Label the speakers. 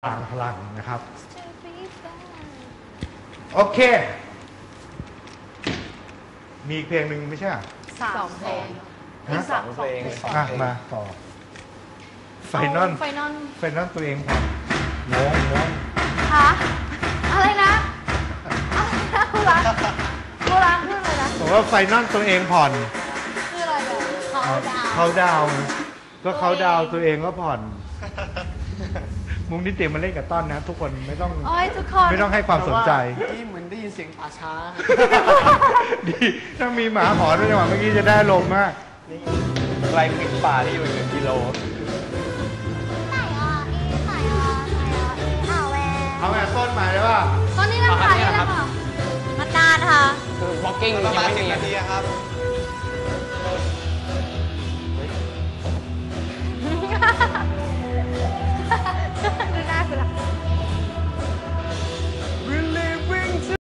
Speaker 1: พลังนะครับโอเคมีอีกเพลงหนึ่งไม่ใช่
Speaker 2: สองเพลง
Speaker 3: สองเพลง
Speaker 1: มาต่อไฟนอลตัวเองผ่อนงง
Speaker 2: คะอะไรนะคุณรักคืออะไรนะ
Speaker 1: บอกว่าไฟนอลตัวเองผ่อน
Speaker 2: คืออะไรอ่ะ
Speaker 1: เขาดาวก็เขาดาวตัวเองก็ผ่อนมุกนิติมาเล่นกับต้นนะทุกคนไม่ต้อง
Speaker 2: โอ้ยทุกคน
Speaker 1: ไม่ต้องให้ความสนใจ
Speaker 3: ที่เหมือนได้ยินเสียงป่าช้า
Speaker 1: ดีถ้ามีหมาหอนด้วยจังหวะเมื่อกี้จะได้ลมมาก
Speaker 3: นี่ไกลปิดป่าที่อยู่1 กิโล
Speaker 1: เอาแบบต้นมาได้ป่ะ
Speaker 2: ตอนนี้แหละค่ะนี่แหละค่ะมานานค่ะ
Speaker 3: คือ walking ยังไม่มี
Speaker 4: นาทีครับ